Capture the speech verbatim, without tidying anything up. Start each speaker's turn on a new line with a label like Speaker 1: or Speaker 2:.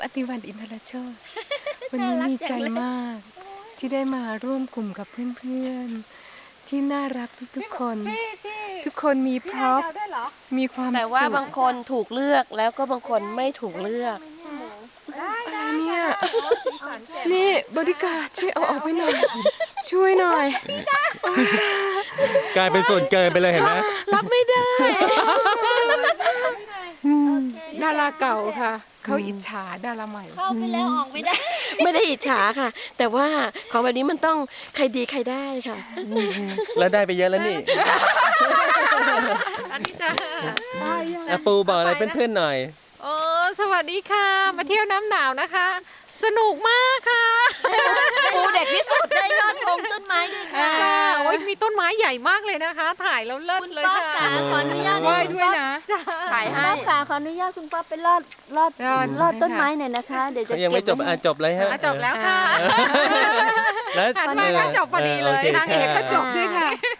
Speaker 1: ปฏิวัติอินทรโชตวันนี้ดีใจมาก ที่ได้มาร่วมกลุ่มกับเพื่อนๆที่น่ารักทุกๆคน ทุกคนมีพร็อพมีความสุข
Speaker 2: แต่ว่าบางคนถูกเลือกแล้วก็บางคนไม่ถูกเลือก
Speaker 1: อะไรเนี่ยนี่บริการช่วยเอาออกไปหน่อยช่วยหน่อย
Speaker 3: กลายเป็นส่วนเกินไปเลยเห็นไหม
Speaker 2: รับไม่ได้
Speaker 1: ดาราเก่าค่ะเขาอิจฉาดาราใหม่
Speaker 4: เข้าไปแล้วออกไม่ได้
Speaker 2: ไม่ได้อิจฉาค่ะแต่ว่าของแบบนี้มันต้องใครดีใครได้ค่ะ
Speaker 3: แล้วได้ไปเยอะแล้วนี่
Speaker 1: อันนี้จะ
Speaker 3: อาปูบอกอะไรเพื่อนๆหน่อย
Speaker 1: โอ้สวัสดีค่ะมาเที่ยวน้ำหนาวนะคะสนุกมากค่ะ
Speaker 4: ปูเด็กที่สุดได้ยอดธงต้นไม้ด้วยค่ะ
Speaker 1: โอ้ยมีต้นไม้ใหญ่มากเลยนะคะถ่ายแล้วเลิศเลยค่ะ
Speaker 4: ขออนุญาต
Speaker 1: ไหว้ด้วยนะ
Speaker 4: ถ่ายให้ค่ะขออนุญาตคุณป้าไปลอดลอดลอดต้นไม้หน่อยนะคะเดี๋ยวจะ
Speaker 3: ยังไม่จบอ่ะจบเลยฮะ
Speaker 1: จบแล้วค่ะ
Speaker 3: แล้ว
Speaker 1: หันมาก็จบพอดีเลยนางเอกก็จบด้วยค่ะ